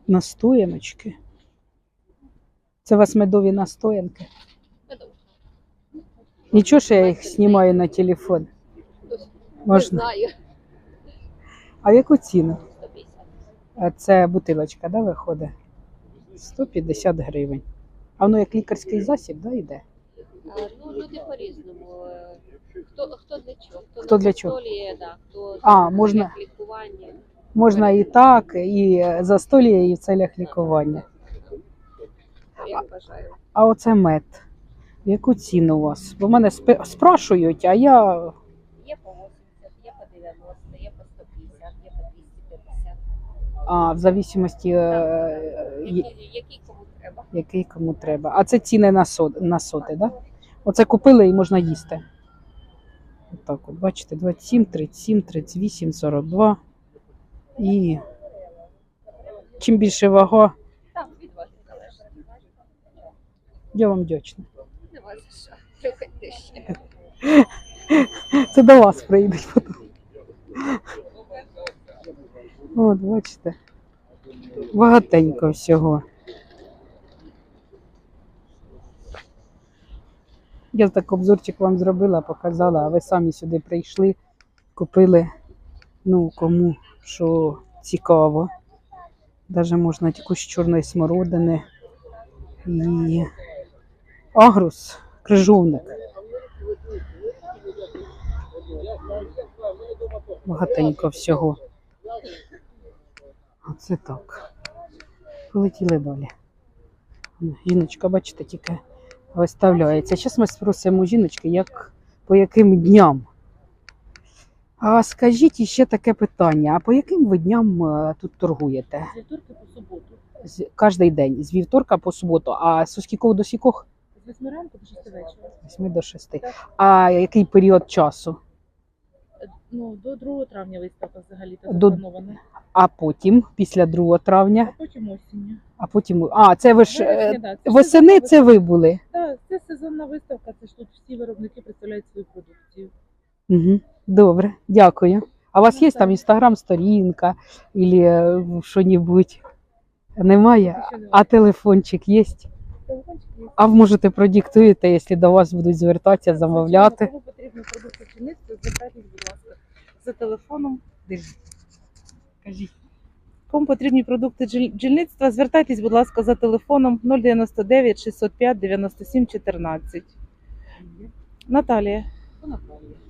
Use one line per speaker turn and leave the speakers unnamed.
Настояночки. Це у вас медові настоянки? Нічого, що я їх знімаю на телефон. Можна?
Знаю.
А в яку ціну?
150.
Це бутилочка, да, виходить? 150 гривень. А воно як лікарський засіб, да, йде?
Ну, люди по-різному. Хто для чого?
Хто для чого?
Застоліє, да, хто
Можна.
для лікування.
Можна і так, і застоліє, і в целях лікування.
Як бажаю.
А оце мед. В яку ціну у вас? Бо мене спрашують, а я...
Є по 80, є по 90, є по 150, є по 250.
В зависимості,
Який кому треба.
який кому треба. А це ціни на соти, да? Оце купили і можна їсти. Отак от, бачите, 27, 37, 38, 42. І чим більше вага,
Так, від вас залежить.
я вам вдячна.
Не вас за що. Приходьте ще.
Це до вас прийдуть потім. От, бачите, багатенько всього. Я так обзорчик вам зробила, показала, а ви самі сюди прийшли, купили, ну, кому що цікаво. Даже можна якусь чорної смородини і агрус, крижовник. Багатенько всього. Оце так. Полетіли далі. Жіночка, бачите, тільки виставляється. Зараз ми спросимо жіночки, по яким дням. А скажіть ще таке питання, а по яким ви дням тут торгуєте?
З вівторка по суботу.
Кожний день, з вівторка по суботу. А з скількох до скількох?
З 8 ранку до 6 вечора.
З 8 до 6. А який період часу?
Ну, до 2 травня виставка взагалі-то
До-
запланована.
А потім, після 2 травня?
А потім осінню.
А потім... це ви ж...
Вересня, да, це
Восени
сезонна
це ви були?
Так, це сезонна виставка, це ж тут всі виробники представляють свою продукцію.
Угу. Добре, дякую. А у вас є
Так.
там інстаграм-сторінка або що-небудь? Немає?
Ще немає.
А телефончик є?
Телефончик є.
А ви можете продиктуєте, якщо до вас будуть звертатися, замовляти?
Кому потрібно продукти бджільництва, звертайтесь, будь ласка, за телефоном.
Кажіть.
Кому потрібні продукти бджільництва, звертайтесь, будь ласка, за телефоном 099 605 97 14. Наталія.
Наталія.